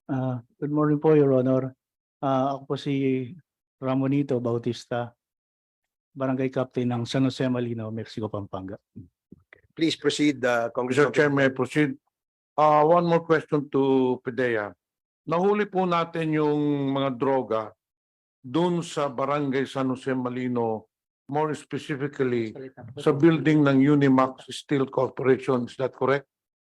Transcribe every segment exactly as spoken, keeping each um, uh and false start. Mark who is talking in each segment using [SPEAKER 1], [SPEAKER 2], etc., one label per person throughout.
[SPEAKER 1] Ah, good morning po, Your Honor. Ah, ako po si Ramonito Bautista, Barangay Captain ng San Jose Malino, Mexico, Pampanga.
[SPEAKER 2] Please proceed, uh,
[SPEAKER 3] Mister
[SPEAKER 2] Congressman.
[SPEAKER 3] Chair, may I proceed? Uh, one more question to Pidea. Nahuli po natin yung mga droga dun sa Barangay San Jose Malino, more specifically sa building ng Unimax Steel Corporation. Is that correct?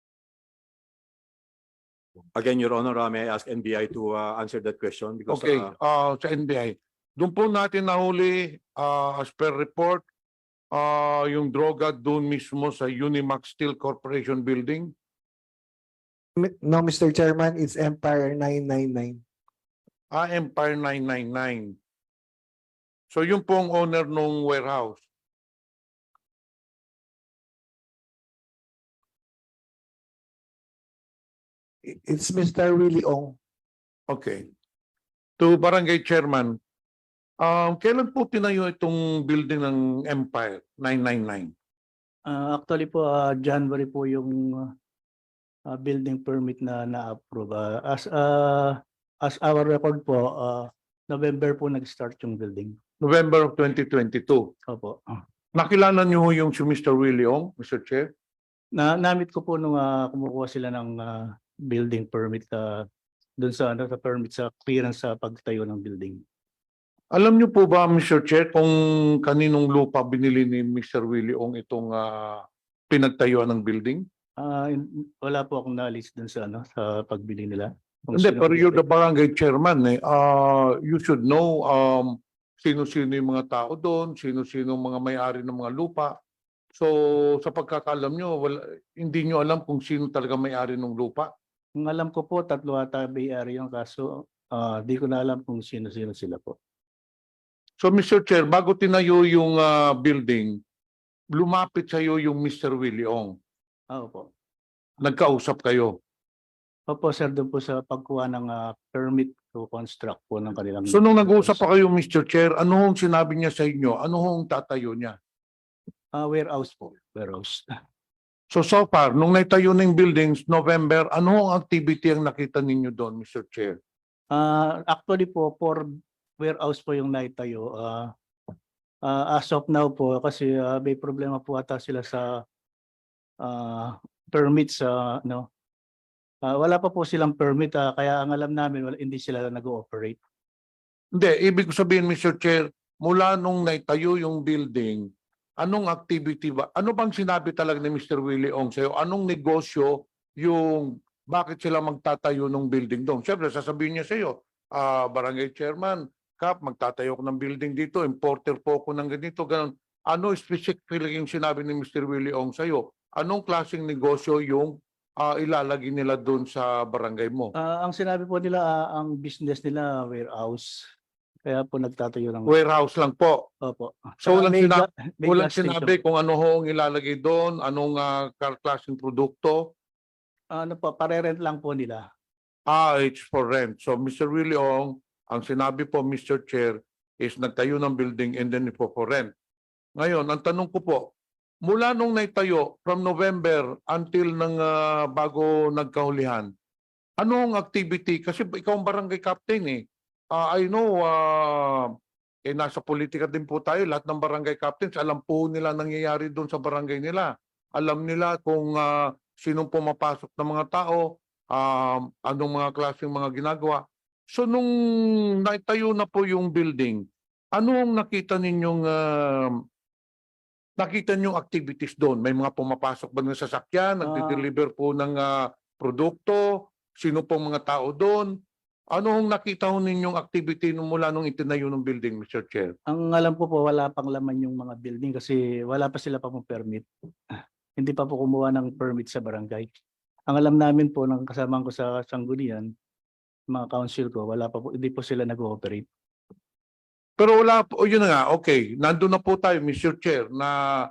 [SPEAKER 2] Again, Your Honor, uh, may I ask N B I to uh, answer that question? Because,
[SPEAKER 3] Okay,
[SPEAKER 2] uh,
[SPEAKER 3] uh, sa N B I. Doon po natin nahuli, uh, as per report, uh, yung droga doon mismo sa Unimax Steel Corporation building.
[SPEAKER 4] No, Mister Chairman, it's Empire nine nine nine.
[SPEAKER 3] Ah, Empire nine nine nine. So yung pong owner nung warehouse.
[SPEAKER 4] It's Mister Willie Ong.
[SPEAKER 3] Okay. To Barangay Chairman, um, kailan po tinayo itong building ng Empire nine nine nine?
[SPEAKER 1] Ah, actually po, ah, January po yung ah, building permit na na-approve. Ah, as ah, as our record po, ah, November po nag-start yung building.
[SPEAKER 3] November of twenty twenty-two.
[SPEAKER 1] Opo. Ah.
[SPEAKER 3] Nakilala niyo ho yung si Mister Willie Ong, Mister Chair?
[SPEAKER 1] Na namit ko po nung ah, kumukuha sila ng ah, building permit uh, doon sa ano sa permit sa clearance sa pagtayo ng building.
[SPEAKER 3] Alam niyo po ba, Mister Chair, kung kaninong lupa binili ni Mister Willie Ong itong ah, pinagtayuan ng building?
[SPEAKER 1] Ah, in- wala po akong knowledge doon sa ano sa pagbili nila. Kung
[SPEAKER 3] Hindi,
[SPEAKER 1] sino
[SPEAKER 3] pero you're
[SPEAKER 1] bumili.
[SPEAKER 3] the barangay chairman eh. Uh, you should know um, sino-sino yung mga tao doon, sino-sino mga may-ari ng mga lupa. So sa pagkakalam nyo, wala, hindi nyo alam kung sino talaga may-ari ng lupa.
[SPEAKER 1] Ang alam ko po, tatlo ata Bay Area yung kaso. Ah, di ko na alam kung sino-sino sila po.
[SPEAKER 3] So Mister Chair, bago tinayo yung ah, building, lumapit sa iyo yung Mister Willie Ong.
[SPEAKER 1] Ah, opo.
[SPEAKER 3] Nagkausap kayo.
[SPEAKER 1] Opo, sir, doon po sa pagkuha ng ah, permit to construct po ng kanilang...
[SPEAKER 3] So nung nag-uusap pa kayo, Mister Chair, ano hong sinabi niya sa inyo? Ano hong tatayo niya?
[SPEAKER 1] Ah, warehouse po. Warehouse.
[SPEAKER 3] So so far, nung naitayo ng buildings, November, ano hong activity ang nakita ninyo doon, Mister Chair?
[SPEAKER 1] Ah, actually po, for warehouse po yung naitayo. Ah, ah, as of now po, kasi ah, may problema po ata sila sa ah, permit sa ano. Ah, wala pa po silang permit, ah, kaya ang alam namin wala, hindi sila nag-ooperate.
[SPEAKER 3] Hindi, ibig ko sabihin, Mister Chair, mula nung naitayo yung building, anong activity ba? Ano bang sinabi talaga ni Mister Willie Ong sa'yo? Anong negosyo yung bakit sila magtatayo ng building doon? Siyempre, sasabihin niya sa'yo, ah, barangay chairman, Kap, magtatayo ko ng building dito, importer po ako ng ganito, ganun. Ano specifically yung sinabi ni Mister Willie Ong sa'yo? Anong klaseng negosyo yung ah, ilalagay nila doon sa barangay mo?
[SPEAKER 1] Ah, ang sinabi po nila, ah, ang business nila warehouse. Kaya po nagtatayo ng...
[SPEAKER 3] Warehouse lang po.
[SPEAKER 1] Opo.
[SPEAKER 3] So, walang
[SPEAKER 1] may
[SPEAKER 3] sina-
[SPEAKER 1] ga- may
[SPEAKER 3] Walang
[SPEAKER 1] gas station
[SPEAKER 3] sinabi
[SPEAKER 1] po.
[SPEAKER 3] kung ano hong ilalagay doon, anong uh, klaseng produkto.
[SPEAKER 1] Ano po, pare-rent lang po nila.
[SPEAKER 3] Ah, it's for rent. So, Mister Willie Ong, ang sinabi po, Mister Chair, is nagtayo ng building and then ipo for rent. Ngayon, ang tanong ko po, mula nung naitayo, from November until nang ah, bago nagkahulihan, anong activity? Kasi ikaw ang barangay captain eh. Ah, I know, ah, eh, nasa politika din po tayo, lahat ng barangay captains, alam po nila nangyayari doon sa barangay nila. Alam nila kung ah, sinong pumapasok ng mga tao, um, anong mga klaseng mga ginagawa. So nung naitayo na po yung building, ano ang nakita ninyong ah, nakita ninyong activities doon? May mga pumapasok ba ng sasakyan, nagde-deliver po ng ah, produkto, sino pong mga tao doon? Ano ang nakita ho ninyong activity nung mula nung itinayo ng building, Mister Chair?
[SPEAKER 1] Ang alam ko po, wala pang laman yung mga building kasi wala pa sila pa pong permit. Hindi pa po kumuha ng permit sa barangay. Ang alam namin po ng kasamahan ko sa Sanggunian, mga council ko, wala pa po, hindi po sila nag-ooperate.
[SPEAKER 3] Pero wala po, o yun na nga, okay, nandun na po tayo, Mister Chair, na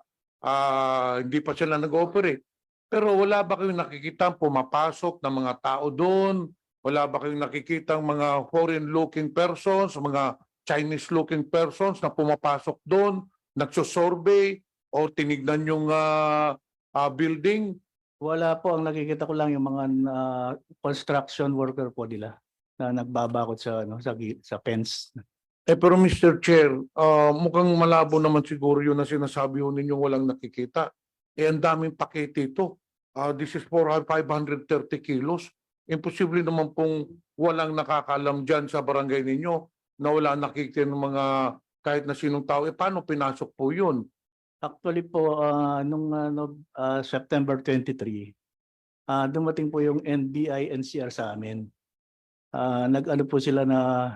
[SPEAKER 3] ah, hindi pa sila nag-ooperate. Pero wala ba kayong nakikita pumapasok ng mga tao doon? Wala ba kayong nakikita mga foreign-looking persons, mga Chinese-looking persons na pumapasok doon, nagsosurvey o tinignan yung ah, ah, building?
[SPEAKER 1] Wala po, ang nakikita ko lang yung mga ah, construction worker po nila na nagbabakod sa ano sa gi- sa fence.
[SPEAKER 3] Eh pero mister Chair, ah, mukhang malabo naman siguro yun na sinasabi ho ninyo walang nakikita. Eh ang daming pakete ito. Ah, this is for five hundred thirty kilos. Imposible naman pong walang nakakalam dyan sa barangay ninyo na wala nakikita ng mga kahit na sinong tao. Eh paano pinasok po yun?
[SPEAKER 1] Actually po ah, nung ano ah, September twenty-three, ah, dumating po yung N B I N C R sa amin. Ah, nag-ano po sila na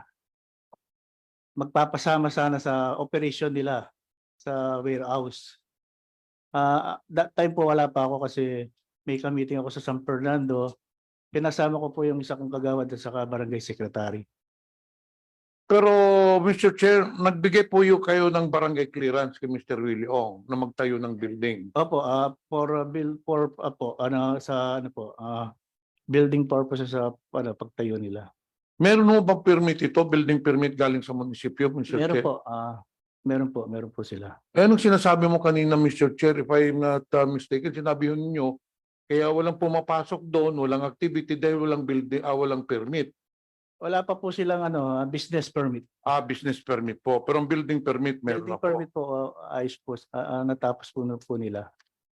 [SPEAKER 1] magpapasama sana sa operation nila sa warehouse. Ah, that time po wala pa ako kasi may ka-meeting ako sa San Fernando. Pinasama ko po yung isa kong kagawad at saka barangay secretary.
[SPEAKER 3] Pero mister Chair, nagbigay po yung kayo ng barangay clearance kay mister Willie Ong na magtayo ng building.
[SPEAKER 1] Opo, ah for uh, bill for ah, po ano sa ano po ah building purposes sa ano pagtayo nila.
[SPEAKER 3] Meron mo bang permit ito, building permit galing sa munisipyo, mister
[SPEAKER 1] Meron
[SPEAKER 3] Chair?
[SPEAKER 1] po, ah meron po, meron po sila.
[SPEAKER 3] Eh, anong sinasabi mo kanina, mister Chair, if I'm not uh, mistaken, sinabi yun ninyo, kaya walang pumapasok doon, walang activity dahil walang building, ah, walang permit.
[SPEAKER 1] Wala pa po silang ano ah, business permit.
[SPEAKER 3] Ah, business permit po. Pero ang building permit meron
[SPEAKER 1] Building
[SPEAKER 3] na po.
[SPEAKER 1] permit po ah, ayos po ah, ah, natapos po na po nila.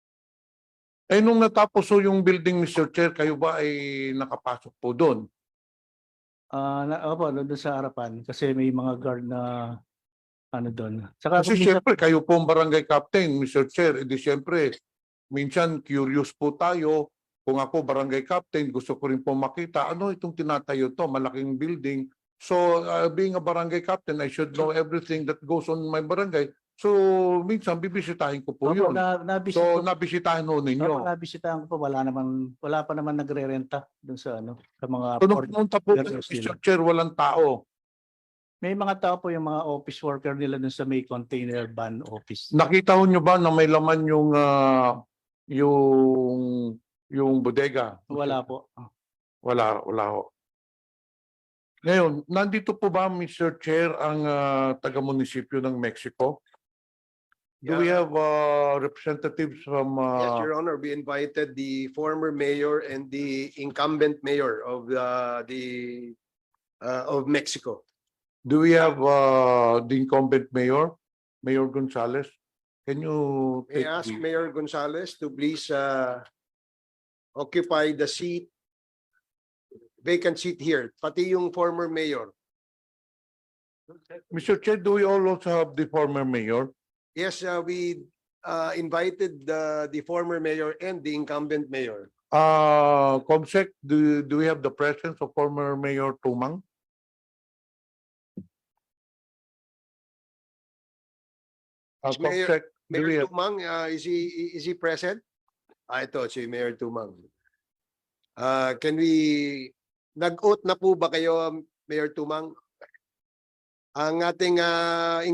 [SPEAKER 3] Eh, nung natapos po yung building, mister Chair, kayo ba ay nakapasok po doon?
[SPEAKER 1] Ah na, opo, doon sa harapan kasi may mga guard na ano doon. Saka
[SPEAKER 3] Kasi
[SPEAKER 1] kung minsan-
[SPEAKER 3] siyempre, kayo po ang barangay captain, mister Chair. Edi siyempre, minsan curious po tayo. Kung ako barangay captain, gusto ko rin po makita, ano itong tinatayo to, malaking building. So, uh, being a barangay captain, I should know everything that goes on my barangay. So, minsan, bibisitahin ko po
[SPEAKER 1] Opo,
[SPEAKER 3] yun.
[SPEAKER 1] na, nabisita
[SPEAKER 3] So,
[SPEAKER 1] ko,
[SPEAKER 3] nabisitahin ho
[SPEAKER 1] opo,
[SPEAKER 3] ninyo.
[SPEAKER 1] nabisitahan ko po, wala naman, wala pa naman nagre-renta doon sa ano, sa mga
[SPEAKER 3] So, nung
[SPEAKER 1] port-
[SPEAKER 3] pumunta po,
[SPEAKER 1] warehouse
[SPEAKER 3] mister
[SPEAKER 1] nila.
[SPEAKER 3] Chair, walang tao.
[SPEAKER 1] May mga tao po yung mga office worker nila doon sa may container van office.
[SPEAKER 3] Nakita ho nyo ba na may laman yung, ah, yung, yung bodega?
[SPEAKER 1] Wala po.
[SPEAKER 3] Wala, wala ho. Ngayon, nandito po ba, mister Chair, ang ah, taga-munisipyo ng Mexico? Do we
[SPEAKER 5] Yeah.
[SPEAKER 3] have uh, representatives from
[SPEAKER 5] Yes,
[SPEAKER 3] uh,
[SPEAKER 5] Your Honor, we invited the former mayor and the incumbent mayor of the, the, uh, of Mexico.
[SPEAKER 3] do we have uh, the incumbent mayor, Mayor Gonzalez? Can you
[SPEAKER 5] May
[SPEAKER 3] take
[SPEAKER 5] I ask
[SPEAKER 3] the-
[SPEAKER 5] Mayor Gonzalez to please, uh, occupy the seat, vacant seat here, pati yung former mayor.
[SPEAKER 3] Mister Chair, do we also have the former mayor?
[SPEAKER 5] Yes, uh, we, uh, invited the, the former mayor and the incumbent mayor.
[SPEAKER 3] Uh, Comsec, do, do we have the presence of former Mayor Tumang? Uh,
[SPEAKER 5] Is Mayor-
[SPEAKER 3] Comsec, do we
[SPEAKER 5] Mayor
[SPEAKER 3] have-
[SPEAKER 5] Tumang, uh, is he, is he present? Ah, ito, si Mayor Tumang. Uh, can we, nag-oath na po ba kayo, Mayor Tumang? Ang ating, uh,